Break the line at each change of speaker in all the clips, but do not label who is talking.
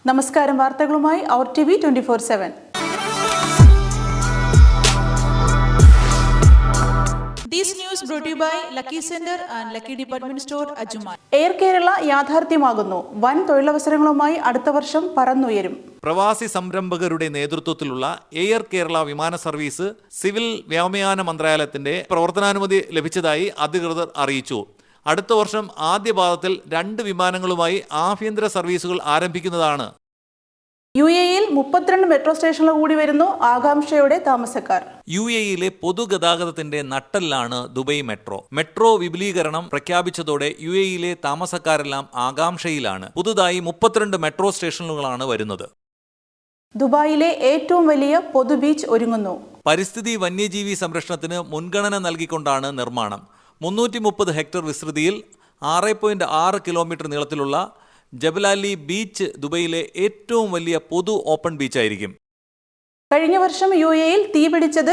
നമസ്കാരം, വാർത്തകളുമായി അവർ TV 24/7.
This news brought to you by Lucky Center and Lucky Department Store, Ajjuman.
Air Kerala യാഥാർത്ഥ്യമാകുന്നു. വൻ തൊഴിലവസരങ്ങളുമായി അടുത്ത വർഷം പറന്നുയരും.
പ്രവാസി സംരംഭകരുടെ നേതൃത്വത്തിലുള്ള എയർ കേരള വിമാന സർവീസ് സിവിൽ വ്യോമയാന മന്ത്രാലയത്തിന്റെ പ്രവർത്തനാനുമതി ലഭിച്ചതായി അധികൃതർ അറിയിച്ചു. അടുത്ത വർഷം ആദ്യ പാദത്തിൽ 2 വിമാനങ്ങളുമായി ആഭ്യന്തര സർവീസുകൾ ആരംഭിക്കുന്നതാണ്.
UAE-യിൽ 32 മെട്രോ സ്റ്റേഷനുകൾ കൂടി വരുന്നു. ആകാംക്ഷയോടെ താമസക്കാർ.
UAE-യിലെ പൊതുഗതാഗതത്തിന്റെ നട്ടെല്ലാണ് ദുബൈ മെട്രോ. മെട്രോ വിപുലീകരണം പ്രഖ്യാപിച്ചതോടെ UAE-യിലെ താമസക്കാരെല്ലാം ആകാംക്ഷയിലാണ്. പുതുതായി 32 മെട്രോ സ്റ്റേഷനുകളാണ് വരുന്നത്.
ദുബായിലെ ഏറ്റവും വലിയ പൊതു ബീച്ച് ഒരുങ്ങുന്നു.
പരിസ്ഥിതി വന്യജീവി സംരക്ഷണത്തിന് മുൻഗണന നൽകിക്കൊണ്ടാണ് നിർമ്മാണം. 330 ഹെക്ടർ വിസ്തൃതിയിൽ 6.6 കിലോമീറ്റർ നീളത്തിലുള്ള ജബലാലി ബീച്ച് ദുബൈയിലെ ഏറ്റവും വലിയ പൊതു ഓപ്പൺ ബീച്ചായിരിക്കും.
കഴിഞ്ഞ വർഷം UAE-യിൽ തീപിടിച്ചത്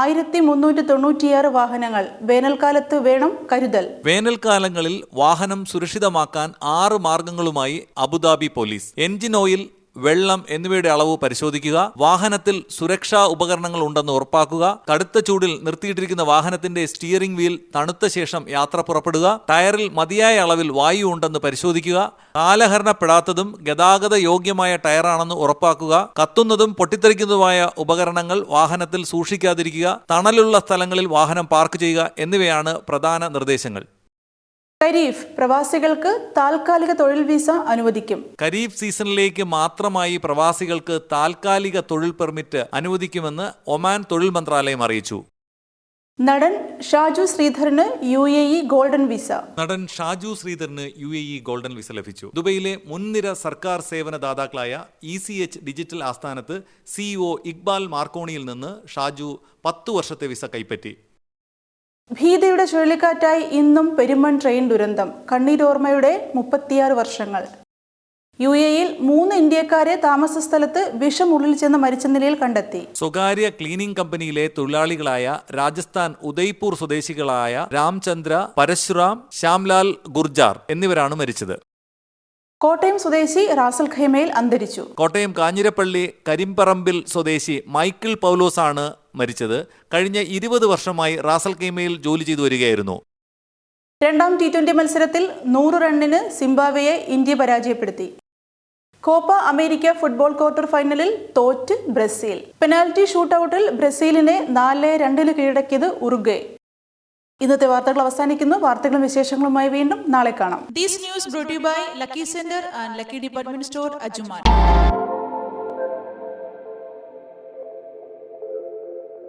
1396 വാഹനങ്ങൾ. വേനൽക്കാലത്ത് വേണം കരുതൽ.
വേനൽക്കാലങ്ങളിൽ വാഹനം സുരക്ഷിതമാക്കാൻ 6 മാർഗങ്ങളുമായി അബുദാബി പോലീസ്. എൻജിൻ ഓയിൽ, വെള്ളം എന്നിവയുടെ അളവ് പരിശോധിക്കുക, വാഹനത്തിൽ സുരക്ഷാ ഉപകരണങ്ങൾ ഉണ്ടെന്ന് ഉറപ്പാക്കുക, കടുത്ത ചൂടിൽ നിർത്തിയിട്ടിരിക്കുന്ന വാഹനത്തിന്റെ സ്റ്റിയറിംഗ് വീൽ തണുത്ത ശേഷം യാത്ര പുറപ്പെടുക, ടയറിൽ മതിയായ അളവിൽ വായു ഉണ്ടെന്ന് പരിശോധിക്കുക, കാലഹരണപ്പെടാത്തതും ഗതാഗത യോഗ്യമായ ടയറാണെന്ന് ഉറപ്പാക്കുക, കത്തുന്നതും പൊട്ടിത്തെറിക്കുന്നതുമായ ഉപകരണങ്ങൾ വാഹനത്തിൽ സൂക്ഷിക്കാതിരിക്കുക, തണലുള്ള സ്ഥലങ്ങളിൽ വാഹനം പാർക്ക് ചെയ്യുക എന്നിവയാണ് പ്രധാന നിർദ്ദേശങ്ങൾ.
ഖരീഫ് പ്രവാസികൾക്ക് താൽക്കാലിക തൊഴിൽ വിസ അനുവദിക്കും.
ഖരീഫ് സീസണിലേക്ക് മാത്രമായി പ്രവാസികൾക്ക് താൽക്കാലിക തൊഴിൽ പെർമിറ്റ് അനുവദിക്കുമെന്ന് ഒമാൻ തൊഴിൽ മന്ത്രാലയം അറിയിച്ചു.
നടൻ ഷാജു ശ്രീധറിന് UAE ഗോൾഡൻ വിസ.
നടൻ ഷാജു ശ്രീധറിന് UAE ഗോൾഡൻ വിസ ലഭിച്ചു. ദുബൈയിലെ മുൻനിര സർക്കാർ സേവന ദാതാക്കളായ ECH ഡിജിറ്റൽ ആസ്ഥാനത്ത് CEO ഇക്ബാൽ മാർക്കോണിയിൽ നിന്ന് ഷാജു 10 വർഷത്തെ വിസ കൈപ്പറ്റി.
ഭീതിയുടെ ചുഴലിക്കാറ്റായി ഇന്നും പെരുമൺ ട്രെയിൻ ദുരന്തം. കണ്ണീരോർമ്മയുടെ 36 വർഷങ്ങൾ. UAE-യിൽ 3 ഇന്ത്യക്കാരെ താമസ സ്ഥലത്ത് വിഷം ഉള്ളിൽ ചെന്ന് മരിച്ച നിലയിൽ കണ്ടെത്തി.
സ്വകാര്യ ക്ലീനിംഗ് കമ്പനിയിലെ തൊഴിലാളികളായ രാജസ്ഥാൻ ഉദയ്പൂർ സ്വദേശികളായ രാംചന്ദ്ര, പരശുറാം, ശ്യാംലാൽ ഗുർജാർ എന്നിവരാണ് മരിച്ചത്.
കോട്ടയം സ്വദേശി റാസൽ ഖൈമയിൽ അന്തരിച്ചു.
കോട്ടയം കാഞ്ഞിരപ്പള്ളി കരിമ്പറമ്പിൽ സ്വദേശി മൈക്കിൾ പൗലോസ് ആണ് മരിച്ചത്. കഴിഞ്ഞ 20 വർഷമായി റാസൽ ഖൈമയിൽ ജോലി ചെയ്തു വരികയായിരുന്നു.
രണ്ടാം T20 മത്സരത്തിൽ 100 റണ്ണിന് സിംബാബ്വേയെ ഇന്ത്യ പരാജയപ്പെടുത്തി. കോപ്പ അമേരിക്ക ഫുട്ബോൾ ക്വാർട്ടർ ഫൈനലിൽ തോറ്റ് ബ്രസീൽ. പെനാൽറ്റി ഷൂട്ടൌട്ടിൽ ബ്രസീലിനെ 4-2 കീഴടക്കിയത് ഉറുഗ്വേ. ഇന്നത്തെ വാർത്തകൾ അവസാനിക്കുന്നു. വാർത്തകളും വിശേഷങ്ങളുമായി വീണ്ടും നാളെ കാണാം.
This news brought to you by Lucky Center and Lucky Department Store, Ajjuman.